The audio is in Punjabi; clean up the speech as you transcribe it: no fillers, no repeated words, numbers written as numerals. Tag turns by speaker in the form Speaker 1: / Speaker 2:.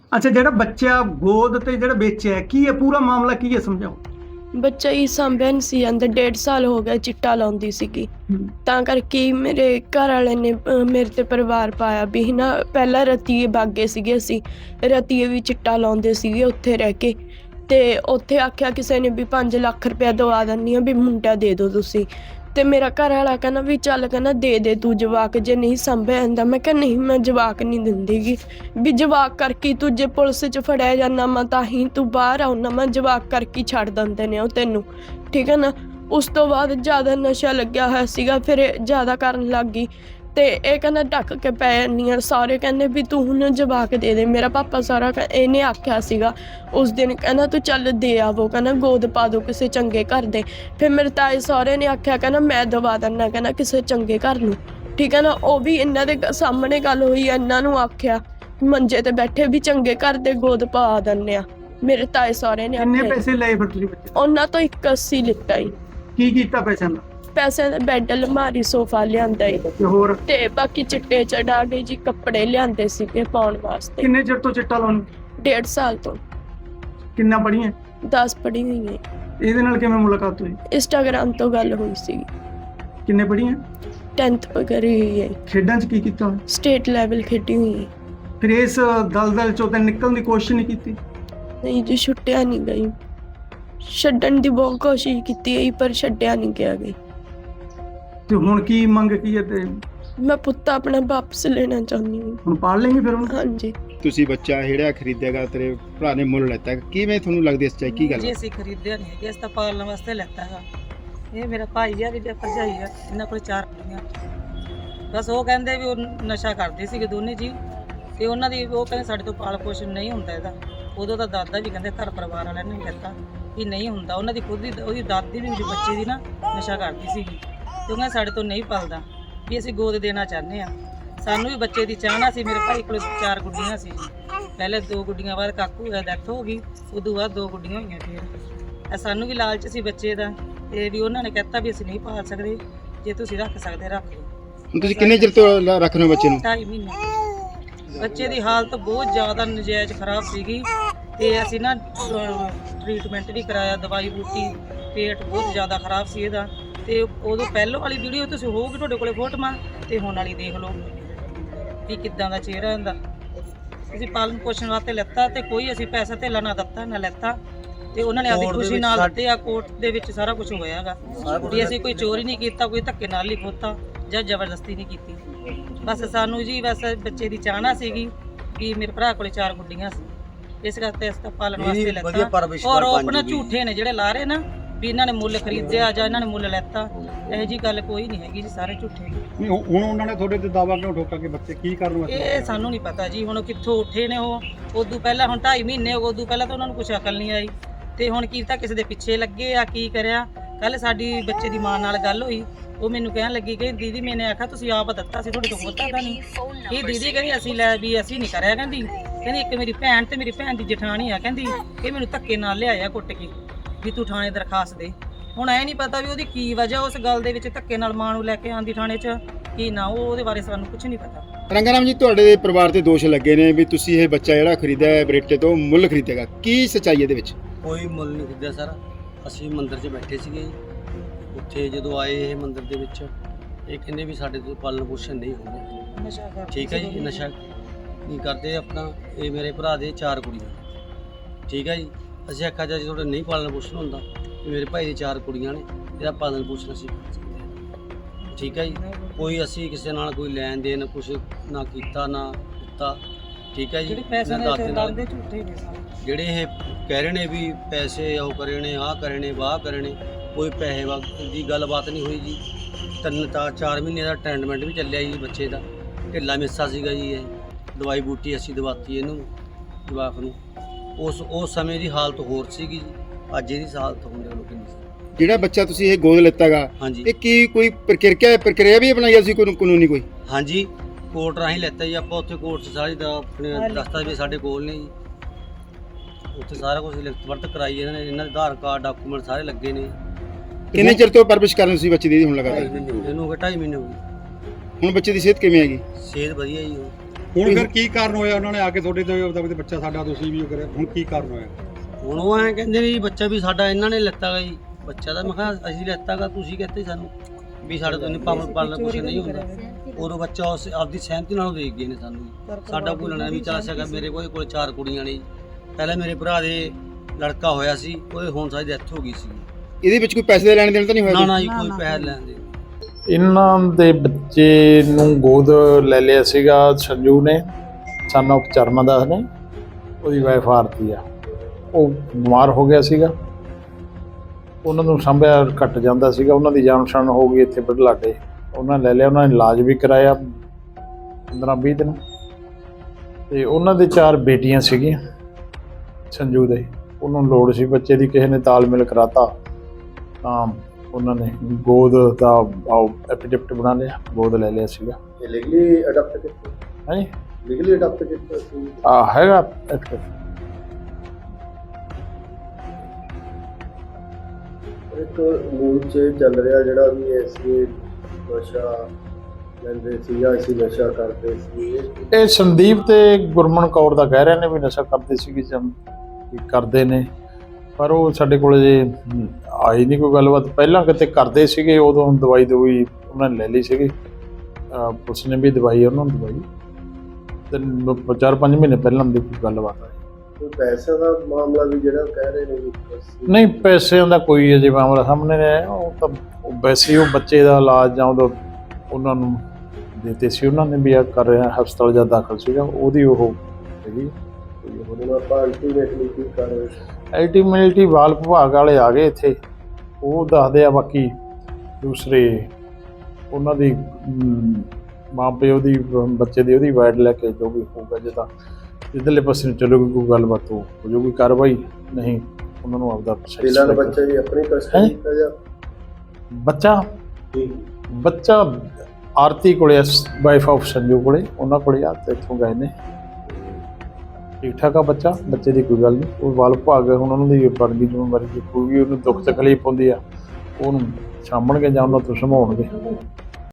Speaker 1: ਅੱਛਾ, ਜਿਹੜਾ ਬੱਚਾ ਗੋਦ ਤੇ ਜਿਹੜਾ ਵੇਚਿਆ ਕੀ ਹੈ, ਪੂਰਾ ਮਾਮਲਾ ਕੀ ਹੈ, ਸਮਝਾਓ।
Speaker 2: ਬੱਚਾ ਹੀ ਸਾਂਭਿਆ ਨਹੀਂ ਸੀ ਜਾਂਦਾ, 1.5 ਸਾਲ ਹੋ ਗਿਆ ਚਿੱਟਾ ਲਾਉਂਦੀ ਸੀਗੀ। ਤਾਂ ਕਰਕੇ ਹੀ ਮੇਰੇ ਘਰ ਵਾਲੇ ਨੇ ਮੇਰੇ ਤੇ ਪਰਿਵਾਰ ਪਾਇਆ ਵੀ ਨਾ, ਪਹਿਲਾਂ ਰਤੀਏ ਬਾਗੇ ਸੀਗੇ, ਅਸੀਂ ਰਤੀਏ ਵੀ ਚਿੱਟਾ ਲਾਉਂਦੇ ਸੀਗੇ ਉੱਥੇ ਰਹਿ ਕੇ। ਤੇ ਉੱਥੇ ਆਖਿਆ ਕਿਸੇ ਨੇ ਵੀ 5 ਲੱਖ ਰੁਪਇਆ ਦਵਾ ਦਿੰਦੀ ਆ ਵੀ ਮੁੰਡਾ ਦੇ ਦਿਓ ਤੁਸੀਂ। ਤੇ ਮੇਰਾ ਘਰ ਵਾਲਾ ਕਹਿੰਦਾ ਵੀ ਚੱਲ, ਕਹਿੰਦਾ ਦੇ ਤੂੰ ਜਵਾਕ, ਜੇ ਨਹੀਂ ਸਾਂਭਿਆ ਜਾਂਦਾ। ਮੈਂ ਕਿਹਾ ਨਹੀਂ, ਮੈਂ ਜਵਾਕ ਨਹੀਂ ਦਿੰਦੀਗੀ, ਵੀ ਜਵਾਕ ਕਰਕੇ ਤੂੰ ਜੇ ਪੁਲਿਸ 'ਚ ਫੜਿਆ ਜਾਂਦਾ ਮੈਂ ਤਾਂ ਹੀ ਤੂੰ ਬਾਹਰ ਆਉਣਾ, ਮੈਂ ਜਵਾਕ ਕਰਕੇ ਛੱਡ ਦਿੰਦੇ ਨੇ ਉਹ ਤੈਨੂੰ, ਠੀਕ ਹੈ ਨਾ। ਉਸ ਤੋਂ ਬਾਅਦ ਜ਼ਿਆਦਾ ਨਸ਼ਾ ਲੱਗਿਆ ਹੋਇਆ ਸੀਗਾ, ਫਿਰ ਇਹ ਜ਼ਿਆਦਾ ਕਰਨ ਲੱਗ ਗਈ। ਤੇ ਇਹ ਕਹਿੰਦਾ ਢੱਕ ਕੇ ਪੈ ਜਾਂਦੀ ਆ, ਸਾਰੇ ਕਹਿੰਦੇ ਵੀ ਤੂੰ ਹੁਣ ਜਵਾਕ ਦੇ ਦੇ। ਮੇਰਾ ਪਾਪਾ ਸਾਰਾ ਇਹਨੇ ਆਖਿਆ ਸੀਗਾ ਉਸ ਦਿਨ, ਕਹਿੰਦਾ ਤੂੰ ਚੱਲ ਦੇ ਆਵੋ, ਕਹਿੰਦਾ ਗੋਦ ਪਾ ਦੋ ਕਿਸੇ ਚੰਗੇ ਘਰ ਦੇ। ਫਿਰ ਮੇਰੇ ਤਾਏ ਸਹੁਰੇ ਨੇ ਆਖਿਆ, ਕਹਿੰਦਾ ਮੈਂ ਦਵਾ ਦਿੰਦਾ, ਕਹਿੰਦਾ ਕਿਸੇ ਚੰਗੇ ਘਰ ਨੂੰ, ਠੀਕ ਹੈ ਨਾ। ਉਹ ਵੀ ਇਹਨਾਂ ਦੇ ਸਾਹਮਣੇ ਗੱਲ ਹੋਈ, ਇਹਨਾਂ ਨੂੰ ਆਖਿਆ ਮੰਜੇ ਤੇ ਬੈਠੇ ਵੀ ਚੰਗੇ ਘਰ ਦੇ ਗੋਦ ਪਾ ਦਿੰਦੇ ਆ। ਮੇਰੇ ਤਾਏ ਸਹੁਰੇ ਨੇ
Speaker 1: ਕਿੰਨੇ
Speaker 2: ਆਖਿਆ।
Speaker 1: ਪੈਸੇ ਲਏ ਫਿਰ ਤੁਸੀਂ ਬੱਚੇ?
Speaker 2: ਉਹਨਾਂ ਤੋਂ 81 ਲਿੱਤਾ ਹੀ।
Speaker 1: ਕੀ ਕੀਤਾ ਪੈਸਿਆਂ ਦਾ?
Speaker 2: ਪੈਸੇ ਦਾ ਬੈੱਡ, ਅਲਮਾਰੀ, ਸੋਫਾ ਲਿਆਂਦਾ ਈ।
Speaker 1: ਤੇ ਹੋਰ
Speaker 2: ਤੇ ਬਾਕੀ ਚਿੱਟੇ ਚੜਾ ਕੇ ਜੀ ਕੱਪੜੇ ਲਿਆਂਦੇ ਸੀਗੇ ਪਾਉਣ ਵਾਸਤੇ।
Speaker 1: ਕਿੰਨੇ ਚਿਰ ਤੋਂ ਚਿੱਟਾ ਲਾਉਣ?
Speaker 2: 1.5 ਸਾਲ ਤੋਂ।
Speaker 1: ਕਿੰਨਾ ਪੜੀਆਂ?
Speaker 2: 10 ਪੜ੍ਹੀ ਹੋਈ ਹੈ।
Speaker 1: ਇਹਦੇ ਨਾਲ ਕਿਵੇਂ ਮੁਲਾਕਾਤ ਹੋਈ?
Speaker 2: ਇੰਸਟਾਗ੍ਰਾਮ ਤੋਂ ਗੱਲ ਹੋਈ ਸੀ।
Speaker 1: ਕਿੰਨੇ ਪੜੀਆਂ?
Speaker 2: 10th ਪਕੜੀ ਹੋਈ ਹੈ।
Speaker 1: ਖੇਡਾਂ 'ਚ ਕੀ ਕੀਤਾ?
Speaker 2: ਸਟੇਟ ਲੈਵਲ ਖੇਡੀ ਹੋਈ ਹੈ।
Speaker 1: ਫਿਰ ਇਸ ਦਲਦਲ ਚੋਂ ਤਾਂ ਨਿਕਲਣ ਦੀ ਕੋਸ਼ਿਸ਼ ਨਹੀਂ ਕੀਤੀ?
Speaker 2: ਨਹੀਂ ਜੀ, ਛੁੱਟਿਆ ਨਹੀਂ ਗਈ। ਛੱਡਣ ਦੀ ਬਹੁਤ ਕੋਸ਼ਿਸ਼ ਕੀਤੀ ਹੈ ਪਰ ਛੱਡਿਆ ਨਹੀਂ ਗਿਆ ਗਈ।
Speaker 1: ਤੇ ਹੁਣ ਕੀ ਮੰਗ ਕੀ ਹੈ? ਤੇ
Speaker 2: ਮੈਂ ਪੁੱਤ ਆਪਣਾ ਵਾਪਸ ਲੈਣਾ ਚਾਹੁੰਦੀ ਹਾਂ।
Speaker 1: ਹੁਣ ਪਾਲ ਲੈਂਗੇ ਫਿਰ ਉਹਨੂੰ?
Speaker 2: ਹਾਂਜੀ।
Speaker 3: ਤੁਸੀਂ ਬੱਚਾ ਜਿਹੜਾ ਖਰੀਦੇਗਾ, ਤੇਰੇ ਭਰਾ ਨੇ ਮੁੱਲ ਲੈਤਾ, ਕਿਵੇਂ ਤੁਹਾਨੂੰ ਲੱਗਦੀ ਇਸ ਚਾਹੀ ਕੀ ਗੱਲ?
Speaker 4: ਜੀ ਅਸੀਂ ਖਰੀਦਿਆ ਨਹੀਂ ਹੈਗਾ, ਇਸ ਤਾਂ ਪਾਲਣ ਵਾਸਤੇ ਲੈਤਾ ਹੈਗਾ। ਇਹ ਮੇਰਾ ਭਾਈ ਆ, ਇਹਦੀ ਭਰਜਾਈ ਆ, ਇਹਨਾਂ ਕੋਲ 4 ਕੁੜੀਆਂ। ਬਸ ਉਹ ਕਹਿੰਦੇ ਵੀ ਉਹ ਨਸ਼ਾ ਕਰਦੇ ਸੀਗੇ ਦੋਨੇ ਜੀ, ਤੇ ਉਹਨਾਂ ਦੀ ਉਹ ਕਹਿੰਦੇ ਸਾਡੇ ਤੋਂ ਪਾਲ ਪੋਸ਼ਣ ਨਹੀਂ ਹੁੰਦਾ ਇਹਦਾ। ਉਦੋਂ ਤਾਂ ਦਾਦਾ ਵੀ ਕਹਿੰਦੇ, ਘਰ ਪਰਿਵਾਰ ਵਾਲਿਆਂ ਨੇ ਕਹਿਤਾ ਵੀ ਨਹੀਂ ਹੁੰਦਾ। ਉਹਨਾਂ ਦੀ ਖੁਦ ਦੀ ਉਹਦੀ ਦਾਦੀ ਵੀ ਬੱਚੇ ਦੀ ਨਾ ਨਸ਼ਾ ਕਰਦੀ ਸੀਗੀ, ਤੇ ਉਹ ਕਹਿੰਦੇ ਸਾਡੇ ਤੋਂ ਨਹੀਂ ਪਲਦਾ, ਵੀ ਅਸੀਂ ਗੋਦ ਦੇਣਾ ਚਾਹੁੰਦੇ ਆ। ਸਾਨੂੰ ਵੀ ਬੱਚੇ ਦੀ ਚਾਹਨਾ ਸੀ। ਮੇਰੇ ਭਾਈ ਕੋਲ 4 ਗੁੱਡੀਆਂ ਸੀ ਜੀ, ਪਹਿਲੇ 2 ਗੁੱਡੀਆਂ ਬਾਅਦ ਕਾਕੂ ਦਾ ਡੈਥ ਹੋ ਗਈ, ਉਦੋਂ ਬਾਅਦ 2 ਗੁੱਡੀਆਂ ਹੋਈਆਂ। ਫਿਰ ਸਾਨੂੰ ਵੀ ਲਾਲਚ ਸੀ ਬੱਚੇ ਦਾ, ਤੇ ਵੀ ਉਹਨਾਂ ਨੇ ਕਹਿਤਾ ਵੀ ਅਸੀਂ ਨਹੀਂ ਪਾਲ ਸਕਦੇ, ਜੇ ਤੁਸੀਂ ਰੱਖ ਸਕਦੇ ਰੱਖ ਲਓ।
Speaker 3: ਹੁਣ ਤੁਸੀਂ ਕਿੰਨੇ ਚਿਰ ਤੋਂ ਰੱਖ ਰਹੇ ਹੋ ਬੱਚੇ ਨੂੰ?
Speaker 4: 2.5 ਮਹੀਨੇ। ਬੱਚੇ ਦੀ ਹਾਲਤ ਬਹੁਤ ਜ਼ਿਆਦਾ ਨਜਾਇਜ਼ ਖਰਾਬ ਸੀਗੀ, ਤੇ ਅਸੀਂ ਨਾ ਟ੍ਰੀਟਮੈਂਟ ਵੀ ਕਰਾਇਆ, ਦਵਾਈ ਬੂਟੀ, ਪੇਟ ਬਹੁਤ ਜ਼ਿਆਦਾ ਖਰਾਬ ਸੀ ਇਹਦਾ। ਤੇ ਉਦੋਂ ਪਹਿਲੋਂ ਵਾਲੀ ਵੀਡੀਓ ਤੁਸੀਂ ਹੋਊਗੀ ਤੁਹਾਡੇ ਕੋਲੇ ਫੋਟੋਆਂ, ਤੇ ਹੁਣ ਵਾਲੀ ਦੇਖ ਲਓ ਵੀ ਕਿੱਦਾਂ ਦਾ ਚਿਹਰਾ ਹੁੰਦਾ। ਅਸੀਂ ਪਾਲਣ ਪੋਸ਼ਣ ਵਾਸਤੇ ਲੈਤਾ, ਤੇ ਕੋਈ ਅਸੀਂ ਪੈਸਾ ਧੇਲਾ ਨਾ ਦਿੱਤਾ ਨਾ ਲੈਤਾ, ਤੇ ਉਹਨਾਂ ਨੇ ਆਪਣੀ ਖੁਸ਼ੀ ਨਾਲ ਦਿੱਤੇ ਆ। ਕੋਰਟ ਦੇ ਵਿੱਚ ਸਾਰਾ ਕੁਝ ਹੋਇਆਗਾ ਵੀ ਅਸੀਂ ਕੋਈ ਚੋਰੀ ਨਹੀਂ ਕੀਤਾ, ਕੋਈ ਧੱਕੇ ਨਾਲ ਹੀ ਖੋਤਾ ਜਾਂ ਜ਼ਬਰਦਸਤੀ ਨਹੀਂ ਕੀਤੀ। ਬਸ ਸਾਨੂੰ ਜੀ ਬਸ ਬੱਚੇ ਦੀ ਚਾਹਨਾ ਸੀਗੀ ਕਿ ਮੇਰੇ ਭਰਾ ਕੋਲੇ 4 ਗੁੱਡੀਆਂ ਸੀ, ਇਸ ਕਰਕੇ ਅਸੀਂ ਤਾਂ ਪਾਲਣ ਵਾਸਤੇ ਲੈਤਾ। ਔਰ ਉਹ ਆਪਣਾ ਝੂਠੇ ਨੇ ਜਿਹੜੇ ਲਾ ਰਹੇ ਨਾ ਵੀ ਇਹਨਾਂ ਨੇ ਮੁੱਲ ਖਰੀਦਿਆ ਜਾਂ ਇਹਨਾਂ ਨੇ ਮੁੱਲ ਲੈਤਾ, ਇਹੋ ਜੀ ਗੱਲ ਕੋਈ ਨਹੀਂ ਹੈਗੀ ਜੀ, ਸਾਰੇ ਝੂਠੇ ਨੇ।
Speaker 3: ਹੁਣ ਉਹਨਾਂ ਨੇ ਤੁਹਾਡੇ ਤੇ ਦਾਵਾ ਕਿਉਂ ਠੋਕਾ ਕਿ ਬੱਚੇ ਕੀ ਕਰਨ ਵਾਸਤੇ?
Speaker 4: ਇਹ ਸਾਨੂੰ ਨਹੀਂ ਪਤਾ ਜੀ, ਹੁਣ ਕਿੱਥੋਂ ਉੱਠੇ ਨੇ ਉਹ। ਉਦੋਂ ਪਹਿਲਾਂ ਹੁਣ 2.5 ਮਹੀਨੇ ਹੋ ਗਏ, ਉਦੋਂ ਪਹਿਲਾਂ ਤਾਂ ਉਹਨਾਂ ਨੂੰ ਕੁਛ ਅਕਲ ਨਹੀਂ ਆਈ, ਤੇ ਹੁਣ ਕੀ ਤਾਂ ਕਿਸੇ ਦੇ ਪਿੱਛੇ ਲੱਗੇ ਆ, ਕੀ ਕਰਿਆ। ਕੱਲ ਸਾਡੀ ਬੱਚੇ ਦੀ ਮਾਂ ਨਾਲ ਗੱਲ ਹੋਈ, ਉਹ ਮੈਨੂੰ ਕਹਿਣ ਲੱਗੀ ਕਿ ਦੀਦੀ ਮੈਨੇ ਆਖਿਆ ਤੁਸੀਂ ਆਪ ਦਿੱਤਾ ਸੀ, ਤੁਹਾਡੇ ਤੋਂ ਖੋਤਾ ਤਾਂ ਨਹੀਂ। ਇਹ ਦੀਦੀ ਕਹਿੰਦੀ ਅਸੀਂ ਲੈ ਵੀ ਅਸੀਂ ਨਹੀਂ ਕਰਿਆ, ਕਹਿੰਦੀ ਇੱਕ ਮੇਰੀ ਭੈਣ ਤੇ ਮੇਰੀ ਭੈਣ ਦੀ ਜਠਾਣੀ ਆ, ਕਹਿੰਦੀ ਇਹ ਮੈਨੂੰ ਧੱਕੇ ਨਾਲ ਲਿਆਇਆ ਕੁੱਟ ਕੇ ਵੀ ਤੂੰ ਥਾਣੇ ਦਰਖਾਸਤ ਦੇ। ਹੁਣ ਐ ਨਹੀਂ ਪਤਾ ਵੀ ਉਹਦੀ ਕੀ ਵਜ੍ਹਾ ਉਸ ਗੱਲ ਦੇ ਵਿੱਚ ਧੱਕੇ ਨਾਲ ਮਾਂ ਨੂੰ ਲੈ ਕੇ ਆਂਦੀ ਥਾਣੇ 'ਚ, ਕੀ ਨਾ ਉਹਦੇ ਬਾਰੇ ਸਾਨੂੰ ਕੁਝ ਨਹੀਂ ਪਤਾ।
Speaker 3: ਰੰਗਾਰਾਮ ਜੀ, ਤੁਹਾਡੇ ਪਰਿਵਾਰ ਤੇ ਦੋਸ਼ ਲੱਗੇ ਨੇ ਵੀ ਤੁਸੀਂ ਇਹ ਬੱਚਾ ਜਿਹੜਾ ਖਰੀਦਿਆ ਹੈ ਬਰੇਟੇ ਤੋਂ ਮੁੱਲ ਖਰੀਦੇਗਾ, ਕੀ ਸੱਚਾਈ ਇਹਦੇ ਵਿੱਚ?
Speaker 5: ਕੋਈ ਮੁੱਲ ਨਹੀਂ ਖਰੀਦਿਆ ਸਰ। ਅਸੀਂ ਮੰਦਿਰ 'ਚ ਬੈਠੇ ਸੀਗੇ, ਉੱਥੇ ਜਦੋਂ ਆਏ ਇਹ ਮੰਦਿਰ ਦੇ ਵਿੱਚ, ਇਹ ਕਹਿੰਦੇ ਵੀ ਸਾਡੇ ਤੋਂ ਪਾਲਣ ਪੋਸ਼ਣ ਨਹੀਂ ਹੁੰਦਾ,
Speaker 4: ਨਸ਼ਾ ਕਰ
Speaker 5: ਠੀਕ ਹੈ ਜੀ, ਨਸ਼ਾ ਨਹੀਂ ਕਰਦੇ ਆਪਣਾ। ਇਹ ਮੇਰੇ ਭਰਾ ਦੇ 4 ਕੁੜੀਆਂ, ਠੀਕ ਹੈ ਜੀ। ਅਸੀਂ ਆਖਿਆ ਜੇ ਤੁਹਾਡੇ ਨਹੀਂ ਪਾਲਣ ਪੋਸ਼ਣ ਹੁੰਦਾ, ਮੇਰੇ ਭਾਈ ਦੀ 4 ਕੁੜੀਆਂ ਨੇ, ਇਹਦਾ ਪਾਲਣ ਪੋਸ਼ਣ ਅਸੀਂ ਕਰ ਸਕਦੇ ਹਾਂ, ਠੀਕ ਹੈ ਜੀ। ਕੋਈ ਅਸੀਂ ਕਿਸੇ ਨਾਲ ਕੋਈ ਲੈਣ ਦੇਣ ਕੁਛ ਨਾ ਕੀਤਾ ਨਾ ਦਿੱਤਾ, ਠੀਕ ਹੈ ਜੀ।
Speaker 4: ਜਿਹੜੇ ਪੈਸੇ ਨੇ ਲੱਗਦੇ ਝੂਠੇ ਨੇ ਸਾਰੇ,
Speaker 5: ਜਿਹੜੇ ਇਹ ਕਹਿ ਰਹੇ ਨੇ ਵੀ ਪੈਸੇ ਉਹ ਕਰੇ ਨੇ, ਆਹ ਕਰੇ ਨੇ, ਵਾਹ ਕਰੇ ਨੇ, ਕੋਈ ਪੈਸੇ ਦੀ ਗੱਲਬਾਤ ਨਹੀਂ ਹੋਈ ਜੀ। 3-4 ਮਹੀਨੇ ਦਾ ਟ੍ਰੀਟਮੈਂਟ ਵੀ ਚੱਲਿਆ ਜੀ ਬੱਚੇ ਦਾ, ਢਿੱਲਾ ਮਿੱਸਾ ਸੀਗਾ ਜੀ। ਇਹ ਦਵਾਈ ਬੂਟੀ ਅਸੀਂ ਦਵਾਤੀ ਇਹਨੂੰ, ਜਵਾਕ ਨੂੰ। ਉਸ ਸਮੇਂ ਦੀ ਹਾਲਤ ਹੋਰ ਸੀਗੀ ਜੀ, ਅੱਜ ਇਹਦੀ ਹਾਲਤ ਹੁੰਦੇ ਲੋਕ ਨਹੀਂ ਸੀ।
Speaker 3: ਜਿਹੜਾ ਬੱਚਾ ਤੁਸੀਂ ਇਹ ਗੋਦ ਲੈਤਾਗਾ,
Speaker 5: ਹਾਂਜੀ,
Speaker 3: ਇਹ ਕੀ ਕੋਈ ਪ੍ਰਕਿਰਿਆ ਵੀ ਬਣਾਈ ਅਸੀਂ ਕੋਈ ਕਾਨੂੰਨੀ ਕੋਈ?
Speaker 5: ਹਾਂਜੀ, ਕੋਰਟ ਰਾਹੀਂ ਲੈਤਾ ਜੀ ਆਪਾਂ। ਉੱਥੇ ਕੋਰਟ 'ਚ ਸਾਰੀ ਦਾ ਆਪਣੇ ਦਸਤਾਵੇਜ਼ ਸਾਡੇ ਕੋਲ ਨੇ ਜੀ, ਉੱਥੇ ਸਾਰਾ ਕੁਝ ਲਿਖਤ ਵਰਤ ਕਰਾਈ ਇਹਨਾਂ ਨੇ। ਇਹਨਾਂ ਦੇ ਆਧਾਰ ਕਾਰਡ ਡਾਕੂਮੈਂਟ ਸਾਰੇ ਲੱਗੇ ਨੇ।
Speaker 3: ਕਿੰਨੇ ਚਿਰ ਤੋਂ ਪਰਵਰਿਸ਼ ਕਰਨ ਤੁਸੀਂ ਬੱਚੇ ਦੀ ਹੁਣ ਲਗਾਤਾਰ?
Speaker 5: ਇਹਨੂੰ ਹੋ ਗਏ 2.5 ਮਹੀਨੇ ਹੋ ਗਏ।
Speaker 3: ਹੁਣ ਬੱਚੇ ਦੀ ਸਿਹਤ ਕਿਵੇਂ ਹੈਗੀ?
Speaker 5: ਸਿਹਤ ਵਧੀਆ ਜੀ।
Speaker 6: ਹੁਣ ਫਿਰ ਕੀ ਕਾਰਨ ਹੋਇਆ ਉਹਨਾਂ ਨੇ ਆ ਕੇ ਤੁਹਾਡੇ ਤੋਂ ਬੱਚਾ ਸਾਡਾ ਤੁਸੀਂ ਵੀ ਉਹ ਕਰਿਆ, ਹੁਣ ਕੀ ਕਾਰਨ ਹੋਇਆ?
Speaker 5: ਹੁਣ ਉਹ ਐਂ ਕਹਿੰਦੇ ਨੇ ਜੀ ਬੱਚਾ ਵੀ ਸਾਡਾ ਇਹਨਾਂ ਨੇ ਲੈਤਾ ਗਾ ਜੀ, ਬੱਚਾ ਤਾਂ ਮੈਂ ਕਿਹਾ ਅਸੀਂ ਲੈਤਾ ਗਾ, ਤੁਸੀਂ ਕਹਿੰਦੇ ਸਾਨੂੰ ਵੀ ਸਾਡੇ ਤੋਂ ਪਾਲਣਾ ਕੁਛ ਨਹੀਂ ਹੁੰਦਾ। ਉਦੋਂ ਬੱਚਾ ਉਸ ਆਪਦੀ ਸਹਿਮਤੀ ਨਾਲ ਦੇ ਗਏ ਨੇ ਸਾਨੂੰ ਜੀ। ਸਾਡਾ ਕੋਈ ਲੈਣਾ ਵੀ ਚੱਲ ਸਕਾ। ਮੇਰੇ ਕੋਲ 4 ਕੁੜੀਆਂ ਨੇ ਜੀ। ਪਹਿਲਾਂ ਮੇਰੇ ਭਰਾ ਦੇ ਲੜਕਾ ਹੋਇਆ ਸੀ, ਉਹਦੇ ਹੁਣ ਸਾਡੀ ਡੈਥ ਹੋ ਗਈ ਸੀ।
Speaker 3: ਇਹਦੇ ਵਿੱਚ ਕੋਈ ਪੈਸੇ ਦਾ ਲੈਣ ਦੇਣ ਤਾਂ ਨਹੀਂ ਹੋਇਆ?
Speaker 5: ਨਾ ਨਾ ਜੀ, ਕੋਈ ਪੈਸੇ ਲੈਣ ਦੇ।
Speaker 7: ਇਹਨਾਂ ਦੇ ਬੱਚੇ ਨੂੰ ਗੋਦ ਲੈ ਲਿਆ ਸੀਗਾ ਸੰਜੂ ਨੇ, ਸਨ ਆਫ ਚਰਮਦਾਸ ਨੇ। ਉਹਦੀ ਵਾਈਫ ਆਰਤੀ ਆ, ਉਹ ਬਿਮਾਰ ਹੋ ਗਿਆ ਸੀਗਾ, ਉਹਨਾਂ ਨੂੰ ਸੰਭਿਆ ਘੱਟ ਜਾਂਦਾ ਸੀਗਾ, ਉਹਨਾਂ ਦੀ ਜਾਨ ਪਛਾਣ ਹੋ ਗਈ ਇੱਥੇ ਬੁਢਲਾਡੇ। ਉਹਨਾਂ ਲੈ ਲਿਆ, ਉਹਨਾਂ ਨੇ ਇਲਾਜ ਵੀ ਕਰਾਇਆ 15-20 ਦਿਨ। ਤੇ ਉਹਨਾਂ ਦੇ 4 ਬੇਟੀਆਂ ਸੀਗੀਆਂ ਸੰਜੂ ਦੇ। ਉਹਨੂੰ ਲੋੜ ਸੀ ਬੱਚੇ ਦੀ, ਕਿਸੇ ਨੇ ਤਾਲਮੇਲ ਕਰਾਤਾ ਤਾਂ ਉਹਨਾਂ ਨੇ ਗੋਦ ਦਾ ਐਫੀਡੇਵਿਟ ਬਣਾ ਲਿਆ, ਗੋਦ ਲੈ ਲਿਆ ਸੀਗਾ।
Speaker 3: ਲੀਗਲੀ ਅਡਾਪਟ ਕੀਤਾ?
Speaker 7: ਹਾਂਜੀ,
Speaker 3: ਲੀਗਲੀ ਅਡਾਪਟ ਕੀਤਾ ਸੀ?
Speaker 7: ਹੈਗਾ ਐਫੀਡੇਵਿਟ।
Speaker 3: ਇੱਕ ਮੂਲ 'ਚ ਚੱਲ ਰਿਹਾ ਜਿਹੜਾ ਵੀ ਐਸੀ ਨਸ਼ਾ ਲੈਂਦੇ ਸੀ ਜਾਂ ਅਸੀਂ ਨਸ਼ਾ ਕਰਦੇ ਸੀ।
Speaker 7: ਇਹ ਸੰਦੀਪ ਤੇ ਗੁਰਮਨ ਕੌਰ ਦਾ ਕਹਿ ਰਹੇ ਨੇ ਵੀ ਨਸ਼ਾ ਕਰਦੇ ਸੀਗੇ ਜਾਂ ਵੀ ਕਰਦੇ ਨੇ, ਪਰ ਉਹ ਸਾਡੇ ਕੋਲ ਜੇ ਆਈ ਨਹੀਂ ਕੋਈ ਗੱਲਬਾਤ। ਪਹਿਲਾਂ ਕਿਤੇ ਕਰਦੇ ਸੀਗੇ, ਉਦੋਂ ਦਵਾਈ ਉਹਨਾਂ ਨੇ ਲੈ ਲਈ ਸੀਗੀ, ਪੁਲਿਸ ਨੇ ਵੀ ਦਵਾਈ ਉਹਨਾਂ ਨੂੰ ਦਵਾਈ। ਤੇ 4-5 ਮਹੀਨੇ ਪਹਿਲਾਂ ਦੀ ਕੋਈ ਗੱਲਬਾਤ ਆਈ।
Speaker 3: ਕੋਈ ਪੈਸੇ ਦਾ ਮਾਮਲਾ ਵੀ ਜਿਹੜਾ ਕਹਿ ਰਹੇ ਨੇ?
Speaker 7: ਨਹੀਂ, ਪੈਸਿਆਂ ਦਾ ਕੋਈ ਅਜੇ ਮਾਮਲਾ ਸਾਹਮਣੇ ਨਹੀਂ ਆਇਆ। ਉਹ ਤਾਂ ਵੈਸੇ ਉਹ ਬੱਚੇ ਦਾ ਇਲਾਜ ਜਾਂ ਉਦੋਂ ਉਹਨਾਂ ਨੂੰ ਦਿੱਤੇ ਸੀ, ਉਹਨਾਂ ਨੇ ਵੀ ਆ ਕਰ ਰਿਹਾ ਹਸਪਤਾਲ ਜਾਂ ਦਾਖਲ ਸੀਗਾ, ਉਹਦੀ ਉਹ ਹੈਗੀ।
Speaker 3: ਹੁਣ ਆਪਾਂ ਅਲਟੀਮੇਟਲੀ ਕੀ ਕਰ ਰਹੇ?
Speaker 7: ਅਲਟੀਮੇਟਲੀ ਬਾਲ ਵਿਭਾਗ ਵਾਲੇ ਆ ਗਏ ਇੱਥੇ, ਉਹ ਦੱਸਦੇ ਆ। ਬਾਕੀ ਦੂਸਰੇ ਉਹਨਾਂ ਦੀ ਮਾਂ ਪਿਓ ਦੀ ਬੱਚੇ ਦੀ ਉਹਦੀ ਵਾਈਡ ਲੈ ਕੇ ਜੋ ਵੀ ਹੋਊਗਾ, ਜੇ ਤਾਂ ਇੱਧਰਲੇ ਪਾਸੇ ਨੂੰ ਚਲੂਗੀ ਕੋਈ ਗੱਲਬਾਤ ਹੋ ਜਾਊਗੀ ਕਾਰਵਾਈ, ਨਹੀਂ ਉਹਨਾਂ ਨੂੰ ਆਪਦਾ
Speaker 3: ਫਿਲਹਾਲ ਬੱਚਾ ਜੀ ਆਪਣੀ ਕਸਟਡੀ ਦਾ ਜਾਂ
Speaker 7: ਬੱਚਾ ਆਰਤੀ ਕੋਲੇ, ਵਾਈਫ ਆਫ ਸੰਜੂ ਕੋਲੇ, ਉਹਨਾਂ ਕੋਲੇ ਆ। ਤੇ ਇੱਥੋਂ ਗਏ ਨੇ, ਠੀਕ ਠਾਕ ਆ ਬੱਚਾ, ਬੱਚੇ ਦੀ ਕੋਈ ਗੱਲ ਨਹੀਂ। ਉਹ ਬਾਲ ਵਿਭਾਗ ਹੁਣ ਉਹਨਾਂ ਦੀ ਬਣਦੀ ਜ਼ਿੰਮੇਵਾਰੀ, ਕੋਈ ਵੀ ਉਹਨੂੰ ਦੁੱਖ ਤਕਲੀਫ ਹੁੰਦੀ ਆ ਉਹਨੂੰ ਸਾਂਭਣਗੇ ਜਾਂ ਉਹਨਾਂ ਤੋਂ ਸੰਭਾਉਣਗੇ।